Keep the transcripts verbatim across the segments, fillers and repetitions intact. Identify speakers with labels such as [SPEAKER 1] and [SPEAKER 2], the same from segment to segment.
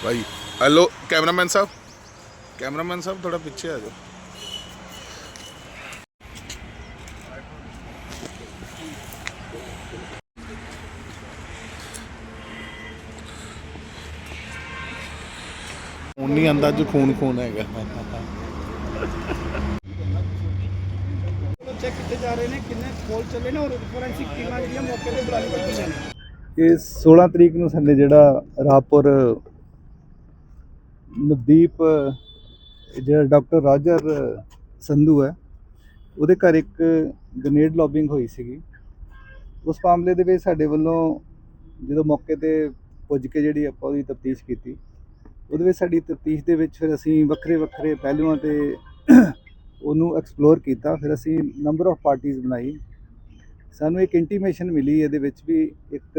[SPEAKER 1] भाई hello cameraman साहब, cameraman साहब थोड़ा पीछे आ जाओ। खून नहीं आंदा जो खून खून है।
[SPEAKER 2] चेक किए जा रहे हैं किन्ने खोल चले ने और फोरेंसिक टीमां ਜਿਹੜੀਆਂ ਮੌਕੇ ਤੇ ਬੁਲਾਈ ਗਈਆਂ ਨੇ।
[SPEAKER 3] ਇਹ सोलह ਤਰੀਕ ਨੂੰ ਸਾਡੇ ਜਿਹੜਾ ਰਾਪੁਰ ਨਵਦੀਪ ਜਿਹੜਾ ਡਾਕਟਰ ਰਾਜਰ ਸੰਧੂ ਹੈ ਉਹਦੇ ਘਰ ਇੱਕ ਗ੍ਰੇਨੇਡ ਲੌਬਿੰਗ ਹੋਈ ਸੀਗੀ। ਉਸ ਮਾਮਲੇ ਦੇ ਵਿੱਚ ਸਾਡੇ ਵੱਲੋਂ ਜਦੋਂ ਮੌਕੇ ਤੇ ਪੁੱਜ ਕੇ ਜਿਹੜੀ ਆਪਾਂ ਉਹਦੀ ਤਫਤੀਸ਼ ਕੀਤੀ, ਉਹਦੇ ਵਿੱਚ ਸਾਡੀ ਤਫਤੀਸ਼ ਦੇ ਵਿੱਚ ਫਿਰ ਅਸੀਂ ਵੱਖਰੇ ਵੱਖਰੇ ਪਹਿਲੂਆਂ ਤੇ ਉਹਨੂੰ ਐਕਸਪਲੋਰ ਕੀਤਾ। ਫਿਰ ਅਸੀਂ ਨੰਬਰ ਆਫ ਪਾਰਟੀਜ਼ ਬਣਾਈ। ਸਾਨੂੰ ਇੱਕ ਇੰਟੀਮੇਸ਼ਨ ਮਿਲੀ ਇਹਦੇ ਵਿੱਚ ਵੀ ਇੱਕ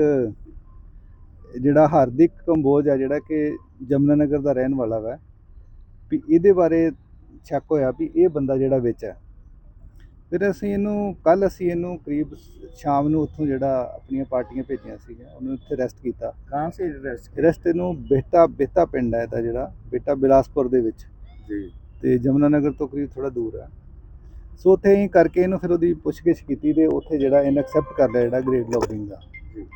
[SPEAKER 3] ਜਿਹੜਾ ਹਾਰਦਿਕ ਕੰਬੋਜ ਆ ਜਿਹੜਾ ਕਿ ਜਮਨਾ ਨਗਰ ਦਾ ਰਹਿਣ ਵਾਲਾ ਵਾ, ਵੀ ਇਹਦੇ ਬਾਰੇ ਸ਼ੱਕ ਹੋਇਆ ਵੀ ਇਹ ਬੰਦਾ ਜਿਹੜਾ ਵਿੱਚ ਹੈ। ਫਿਰ ਅਸੀਂ ਇਹਨੂੰ ਕੱਲ੍ਹ ਅਸੀਂ ਇਹਨੂੰ ਕਰੀਬ ਸ਼ਾਮ ਨੂੰ ਉੱਥੋਂ ਜਿਹੜਾ ਆਪਣੀਆਂ ਪਾਰਟੀਆਂ ਭੇਜੀਆਂ ਸੀਗੀਆਂ ਉਹਨੂੰ ਇੱਥੇ ਅਰੈਸਟ ਕੀਤਾ।
[SPEAKER 2] ਕਹਾਂ ਸੇ ਅਰੈਸਟ
[SPEAKER 3] ਅਰੈਸਟ ਇਹਨੂੰ ਬੇਟਾ ਬੇਤਾ ਪਿੰਡ ਹੈ ਇਹਦਾ, ਜਿਹੜਾ ਬੇਟਾ ਬਿਲਾਸਪੁਰ ਦੇ ਵਿੱਚ
[SPEAKER 2] ਜੀ
[SPEAKER 3] ਤੇ ਜਮਨਾ ਨਗਰ ਤੋਂ ਕਰੀਬ ਥੋੜਾ ਦੂਰ ਹੈ। ਸੋ ਉੱਥੇ ਹੀ ਕਰਕੇ ਇਹਨੂੰ ਫਿਰ ਉਹਦੀ ਪੁੱਛਗਿੱਛ ਕੀਤੀ ਤੇ ਉੱਥੇ ਜਿਹੜਾ ਇਹਨੇ ਐਕਸੈਪਟ ਕਰ ਲਿਆ ਜਿਹੜਾ ਗ੍ਰੇਡ ਲੌਬਿੰਗ ਦਾ,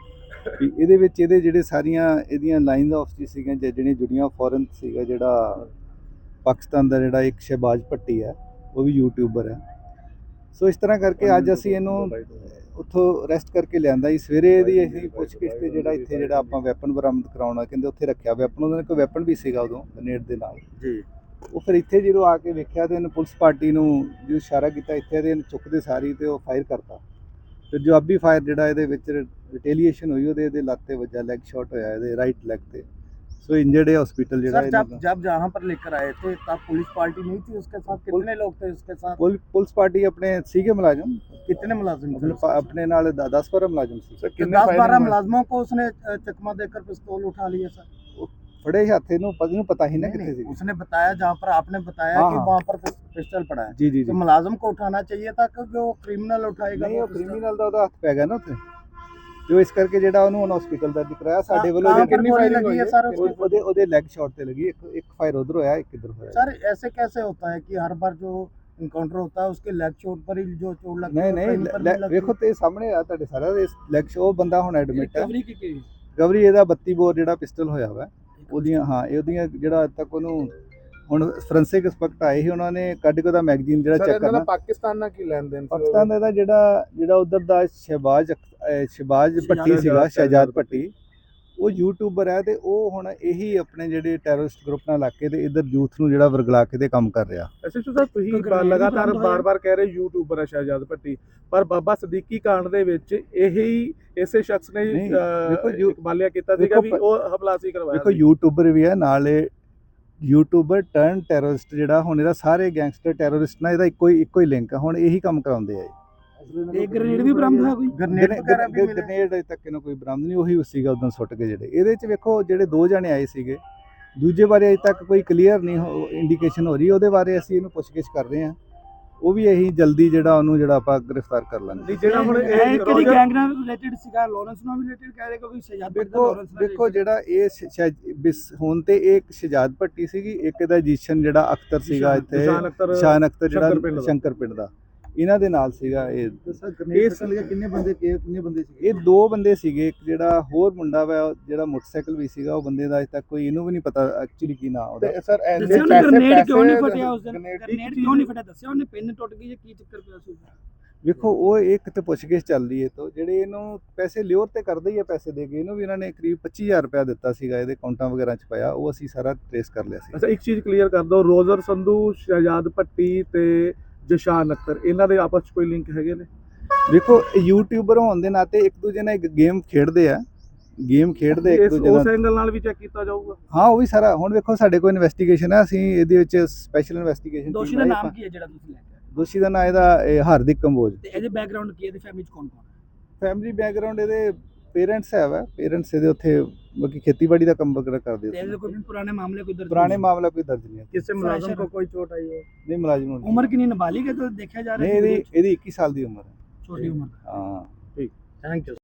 [SPEAKER 3] ਵੀ ਇਹਦੇ ਵਿੱਚ ਇਹਦੇ ਜਿਹੜੇ ਸਾਰੀਆਂ ਇਹਦੀਆਂ ਲਾਈਨਸ ਆਫ ਜੀ ਸੀਗੀਆਂ ਜਿਹੜੀਆਂ ਜੁੜੀਆਂ। ਫੋਰਨ ਸੀਗਾ ਜਿਹੜਾ ਪਾਕਿਸਤਾਨ ਦਾ ਜਿਹੜਾ ਇੱਕ ਸ਼ਹਿਬਾਜ਼ ਭੱਟੀ ਹੈ, ਉਹ ਵੀ ਯੂਟਿਊਬਰ ਹੈ। ਸੋ ਇਸ ਤਰ੍ਹਾਂ ਕਰਕੇ ਅੱਜ ਅਸੀਂ ਇਹਨੂੰ ਉੱਥੋਂ ਅਰੈਸਟ ਕਰਕੇ ਲਿਆਂਦਾ ਜੀ। ਸਵੇਰੇ ਇਹਦੀ ਅਸੀਂ ਪੁੱਛਗਿੱਛ ਤੇ ਜਿਹੜਾ ਇੱਥੇ ਜਿਹੜਾ ਆਪਾਂ ਵੈਪਨ ਬਰਾਮਦ ਕਰਾਉਣਾ ਕਹਿੰਦੇ ਉੱਥੇ ਰੱਖਿਆ ਵੈਪਨ, ਉਹਨਾਂ ਨੇ ਕੋਈ ਵੈਪਨ ਵੀ ਸੀਗਾ ਉਦੋਂ ਗ੍ਰੇਨੇਡ ਦੇ ਨਾਲ
[SPEAKER 2] ਜੀ।
[SPEAKER 3] ਉਹ ਫਿਰ ਇੱਥੇ ਜਦੋਂ ਆ ਕੇ ਵੇਖਿਆ ਤੇ ਇਹਨੇ ਪੁਲਿਸ ਪਾਰਟੀ ਨੂੰ ਜੋ ਇਸ਼ਾਰਾ ਕੀਤਾ ਇੱਥੇ ਤੇ ਇਹਨੂੰ ਚੁੱਕਦੇ ਸਾਰੀ ਤੇ ਉਹ ਫਾਇਰ ਕਰਤਾ। ਫਿਰ ਜਵਾਬੀ ਫਾਇਰ ਜਿਹੜਾ ਇਹਦੇ ਵਿੱਚ ਰਿਟੇਲੀਏਸ਼ਨ ਹੋਈ, ਉਹਦੇ ਇਹਦੇ ਲੱਤ ਤੇ ਵੱਜਾ, ਲੈਗ ਸ਼ਾਟ ਹੋਇਆ ਇਹਦੇ ਰਾइट ਲੈग ਤੇ। सो इंजर्ड है हॉस्पिटल
[SPEAKER 2] सर जब जब जहाँ पर लेकर आए थे तब पुलिस पार्टी नहीं थी उसके साथ? कितने लोग थे उसके साथ?
[SPEAKER 3] पुल, पुलिस पार्टी अपने सीगे मुलाजिम
[SPEAKER 2] कितने मुलाजिम
[SPEAKER 3] अपने, अपने नाल दस बारह मुलाजिम सी।
[SPEAKER 2] दस बारह मुलाजिमों को उसने चकमा देकर पिस्तौल उठा लिए सर?
[SPEAKER 3] फड़े हाथ इन्हों पता ही ना कितने सी।
[SPEAKER 2] उसने बताया जहाँ पर आपने बताया
[SPEAKER 3] हाँ,
[SPEAKER 2] कि
[SPEAKER 3] हाँ।
[SPEAKER 2] वहाँ पर पिस्टल पड़ा है।
[SPEAKER 3] जी जी
[SPEAKER 2] तो मुलाजिम को उठाना चाहिए था कि जो क्रिमिनल उठाएगा?
[SPEAKER 3] नहीं, वो क्रिमिनल ਦਾ ਉਹਦਾ ਹੱਥ ਪੈ ਗਿਆ ਨਾ ਉੱਥੇ, ਜੋ ਇਸ ਕਰਕੇ ਜਿਹੜਾ ਉਹਨੂੰ ਹੁਣ ਹਸਪੀਟਲ ਦਾ ਦਿਖਾਇਆ। ਸਾਡੇ ਵੱਲੋਂ
[SPEAKER 2] ਕਿੰਨੀ ਫਾਇਰਿੰਗ ਹੋਈ ਹੈ ਸਰ?
[SPEAKER 3] ਉਹਦੇ ਉਹਦੇ ਲੈਗ ਸ਼ਾਟ ਤੇ ਲੱਗੀ, ਇੱਕ ਇੱਕ ਫਾਇਰ ਉਧਰ ਹੋਇਆ, ਇੱਕ ਇਧਰ ਹੋਇਆ।
[SPEAKER 2] सर ऐसे कैसे होता है कि हर बार जो इनकाउंटर होता है उसके लेग चोट पर ही जो चोट लगती है?
[SPEAKER 3] नहीं नहीं, ਵੇਖੋ ਤੇ ਸਾਹਮਣੇ ਆ ਤੁਹਾਡੇ ਸਾਰਾ ਲੈਗ ਸ਼ੋ। ਉਹ ਬੰਦਾ ਹੁਣ ਐਡਮਿਟ ਹੈ।
[SPEAKER 2] ਰਿਕਵਰੀ ਕੀ
[SPEAKER 3] ਰਿਕਵਰੀ ਇਹਦਾ ਬੱਤੀ ਬੋਰ ਜਿਹੜਾ ਪਿਸਟਲ ਹੋਇਆ ਵਾ ਉਹਦੀਆਂ, ਹਾਂ ਇਹ ਉਹਦੀਆਂ ਜਿਹੜਾ ਅੱਜ ਤੱਕ ਉਹਨੂੰ ਹੁਣ ਫੋਰੈਂਸਿਕ ਐਕਸਪਰਟ ਆਏ ਸੀ, ਉਹਨਾਂ ਨੇ ਕੱਢ ਕੇ ਉਹਦਾ ਮੈਗਜ਼ੀਨ ਜਿਹੜਾ ਚੈੱਕ ਕਰਨਾ।
[SPEAKER 2] ਪਾਕਿਸਤਾਨ ਨਾਲ ਕੀ ਲੈਣ ਦੇਣ?
[SPEAKER 3] ਪਾਕਿਸਤਾਨ ਦਾ ਜਿਹੜਾ ਜਿਹੜਾ ਉਧਰ ਦਾ ਸ਼ਹਿਬਾਜ਼ ਸ਼ਹਿਬਾਜ਼ ਭੱਟੀ ਸੀਗਾ, ਸ਼ਹਿਜਾਦ ਭੱਟੀ, ਉਹ ਯੂਟਿਊਬਰ ਹੈ ਤੇ ਉਹ ਹੁਣ ਇਹੀ ਆਪਣੇ ਜਿਹੜੇ ਟੈਰਰਿਸਟ ਗਰੁੱਪ ਨਾਲ ਲੱਗ ਕੇ ਤੇ ਇਧਰ ਯੂਥ ਨੂੰ ਜਿਹੜਾ ਵਰਗਲਾ ਕੇ ਤੇ ਕੰਮ ਕਰ ਰਿਹਾ।
[SPEAKER 4] ਐਸਐਚਓ ਸਾਹਿਬ, ਤੁਸੀਂ ਲਗਾਤਾਰ ਬਾਰ-ਬਾਰ ਕਹਿ ਰਹੇ ਯੂਟਿਊਬਰ ਹੈ ਸ਼ਹਿਜਾਦ ਭੱਟੀ, ਪਰ ਬਾਬਾ ਸਦੀਕੀ ਕਾਂਡ ਦੇ ਵਿੱਚ ਇਹੀ ਇਸੇ ਸ਼ਖਸ ਨੇ ਇਕਬਾਲਿਆ ਕੀਤਾ ਸੀਗਾ ਵੀ ਉਹ ਹਮਲਾ ਸੀ ਕਰਵਾਇਆ।
[SPEAKER 3] ਦੇਖੋ ਯੂਟਿਊਬਰ ਵੀ ਹੈ ਨਾਲੇ ਯੂਟਿਊਬਰ ਟਰਨ ਟੈਰਰਿਸਟ ਜਿਹੜਾ ਹੁਣ ਇਹਦਾ ਸਾਰੇ ਗੈਂਗਸਟਰ ਟੈਰਰਿਸਟ ਨਾਲ ਇਹਦਾ ਇੱਕੋ ਹੀ ਇੱਕੋ ਹੀ ਲਿੰਕ ਹੈ। ਹੁਣ ਇਹੀ ਕੰਮ ਕਰਾਉਂਦੇ ਆ।
[SPEAKER 2] ਇਹ ਗ੍ਰੇਨੇਡ ਵੀ ਬਰਾਮਦ ਹੋਇਆ? ਕੋਈ ਗ੍ਰੇਨੇਡ ਵਗੈਰਾ ਵੀ ਮਿਲੇ?
[SPEAKER 3] ਗ੍ਰੇਨੇਡ ਅਜੇ ਤੱਕ ਇਹਨੂੰ ਕੋਈ ਬਰਾਮਦ ਨਹੀਂ, ਉਹੀ ਸੀਗਾ ਉਦੋਂ ਸੁੱਟ ਕੇ ਜਿਹੜੇ ਇਹਦੇ ਚ। ਵੇਖੋ ਜਿਹੜੇ ਦੋ ਜਣੇ ਆਏ ਸੀਗੇ, ਦੂਜੇ ਬਾਰੇ ਅਜੇ ਤੱਕ ਕੋਈ ਕਲੀਅਰ ਨਹੀਂ ਇੰਡੀਕੇਸ਼ਨ ਹੋ ਰਹੀ, ਉਹਦੇ ਬਾਰੇ ਅਸੀਂ ਇਹਨੂੰ ਪੁੱਛਗਿੱਛ ਕਰ ਰਹੇ ਹਾਂ। ਉਹ ਵੀ ਇਹੀ ਜਲਦੀ ਜਿਹੜਾ ਉਹਨੂੰ ਜਿਹੜਾ ਆਪਾਂ ਗ੍ਰਿਫਤਾਰ ਕਰ ਲਾਂਗੇ।
[SPEAKER 2] ਜਿਹੜਾ ਹੁਣ ਇਹ ਕਿਹੜੀ ਗੈਂਗ ਨਾਲ ਰਿਲੇਟਡ ਸੀਗਾ? ਲਾਰੈਂਸ ਨਾਲ ਰਿਲੇਟਡ ਕਹਿ ਰਹੇ ਕੋਈ ਸ਼ਹਿਜਾਦ ਭੱਟੀ ਦਾ? ਲਾਰੈਂਸ ਨਾਲ
[SPEAKER 3] ਦੇਖੋ ਜਿਹੜਾ ਇਹ ਹੁਣ ਤੇ ਇਹ ਇੱਕ ਸ਼ਹਿਜਾਦ ਭੱਟੀ ਸੀਗੀ, ਇੱਕ ਇਹਦਾ ਜੀਸ਼ਨ ਜਿਹੜਾ ਅਖਤਰ ਸੀਗਾ ਇੱਥੇ, ਸ਼ਾਨ ਅਖਤਰ ਜਿਹੜਾ ਸ਼ੰਕਰ ਪਿੰਡ ਦਾ, ਇਹਨਾਂ ਦੇ ਨਾਲ ਸੀਗਾ ਇਹ।
[SPEAKER 2] ਕਿੰਨੇ ਬੰਦੇ ਕਿੰਨੇ ਬੰਦੇ ਸੀਗੇ?
[SPEAKER 3] ਇਹ ਦੋ ਬੰਦੇ ਸੀਗੇ। ਇੱਕ ਜਿਹੜਾ ਹੋਰ ਮੁੰਡਾ ਵਾ ਜਿਹੜਾ ਮੋਟਰਸਾਈਕਲ ਵੀ ਸੀਗਾ, ਉਹ ਬੰਦੇ ਦਾ ਅਜੇ ਤੱਕ ਕੋਈ ਇਹਨੂੰ ਵੀ ਨਹੀਂ ਪਤਾ ਐਕਚੁਅਲੀ ਕੀ ਨਾਂ ਉਹਦਾ।
[SPEAKER 4] ਸਰ
[SPEAKER 2] ਗ੍ਰੇਨੇਡ ਕਿਉਂ ਨਹੀਂ ਫਟਿਆ ਉਸ ਦਿਨ? ਗ੍ਰੇਨੇਡ ਕਿਉਂ ਨਹੀਂ ਫਟਿਆ ਦੱਸਿਆ ਉਹਨੇ? ਪਿੰਨ ਟੁੱਟ ਗਈ ਜਾਂ ਕੀ ਚੱਕਰ ਪਿਆ ਸੀ?
[SPEAKER 3] ਵੇਖੋ ਉਹ ਇੱਕ ਤੇ ਪੁੱਛਗਿੱਛ ਚੱਲਦੀ ਹੈ ਤੋਂ ਜਿਹੜੇ ਇਹਨੂੰ ਪੈਸੇ ਲਿਓਰ ਤੇ ਕਰਦੇ ਹੀ ਆ, ਪੈਸੇ ਦੇ ਕੇ ਇਹਨੂੰ ਵੀ ਇਹਨਾਂ ਨੇ ਕਰੀਬ ਪੱਚੀ ਹਜ਼ਾਰ ਰੁਪਇਆ ਦਿੱਤਾ ਸੀਗਾ, ਇਹਦੇ ਅਕਾਊਂਟਾਂ ਵਗੈਰਾ ਚ ਪਾਇਆ, ਉਹ ਅਸੀਂ ਸਾਰਾ ਟ੍ਰੇਸ ਕਰ ਲਿਆ ਸੀ।
[SPEAKER 4] ਅੱਛਾ, ਇੱਕ ਚੀਜ਼ ਕਲੀਅਰ ਕਰ ਦਿਓ, ਰੋਜ਼ਰ ਸੰਧੂ, ਸ਼ਹਿਜਾਦ ਭੱਟੀ ਤੇ ਜਸ਼ਾਨ ਅਖਤਰ, ਇਹਨਾਂ ਦੇ ਆਪਸ ਚ ਕੋਈ ਲਿੰਕ ਹੈਗੇ ਨੇ?
[SPEAKER 3] ਦੇਖੋ ਯੂਟਿਊਬਰ ਹੋਣ ਦੇ ਨਾਤੇ ਇੱਕ ਦੂਜੇ ਨਾਲ ਇੱਕ ਗੇਮ ਖੇਡਦੇ ਆ, ਗੇਮ ਖੇਡਦੇ ਇੱਕ ਦੂਜੇ ਨਾਲ।
[SPEAKER 4] ਉਸ ਐਂਗਲ ਨਾਲ ਵੀ ਚੈੱਕ ਕੀਤਾ ਜਾਊਗਾ?
[SPEAKER 3] ਹਾਂ, ਉਹ ਵੀ ਸਾਰਾ ਹੁਣ ਵੇਖੋ ਸਾਡੇ ਕੋਲ ਇਨਵੈਸਟੀਗੇਸ਼ਨ ਹੈ, ਅਸੀਂ ਇਹਦੇ ਵਿੱਚ ਸਪੈਸ਼ਲ ਇਨਵੈਸਟੀਗੇਸ਼ਨ।
[SPEAKER 2] ਦੋਸ਼ੀ ਦਾ ਨਾਮ ਕੀ ਹੈ ਜਿਹੜਾ ਤੁਸੀਂ ਲੈ ਕੇ ਆਏ?
[SPEAKER 3] ਦੋਸ਼ੀ ਦਾ ਨਾਮ ਇਹਦਾ ਹਾਰਦਿਕ ਕੰਬੋਜ।
[SPEAKER 2] ਤੇ ਇਹਦੇ ਬੈਕਗ੍ਰਾਉਂਡ ਕੀ ਹੈ? ਇਹਦੀ ਫੈਮਿਲੀ ਚ ਕੌਣ ਕੌਣ ਹੈ?
[SPEAKER 3] ਫੈਮਿਲੀ ਬੈਕਗ੍ਰਾਉਂਡ ਇਹਦੇ ਪੇਰੈਂਟਸ ਹੈ ਵਾ, ਪੇਰੈਂਟਸ ਇਹਦੇ ਉੱਥੇ ਬਾਕੀ ਖੇਤੀਬਾੜੀ ਦਾ ਕੰਮ ਵਗੈਰਾ ਕਰਦੇ।
[SPEAKER 2] ਤੇ ਇਹਦੇ ਕੋਈ ਪੁਰਾਣੇ ਮਾਮਲੇ ਕੋਈ ਦਰਜ?
[SPEAKER 3] ਪੁਰਾਣੇ ਮਾਮਲਾ ਕੋਈ ਦਰਜ ਨਹੀਂ ਹੈ।
[SPEAKER 2] ਕਿਸੇ ਮੁਲਾਜ਼ਮ को कोई चोट आई हो?
[SPEAKER 3] ਨਹੀਂ, ਮੁਲਾਜ਼ਮ ਨੂੰ
[SPEAKER 2] उम्र कितनी नाबालिग है तो देखा जा रहा
[SPEAKER 3] नहीं,
[SPEAKER 2] है?
[SPEAKER 3] ਇਹਦੀ ਇਹਦੀ ਇੱਕੀ ਸਾਲ ਦੀ ਉਮਰ ਹੈ।
[SPEAKER 2] छोटी उम्र।
[SPEAKER 3] ਹਾਂ,
[SPEAKER 2] ठीक, थैंक यू।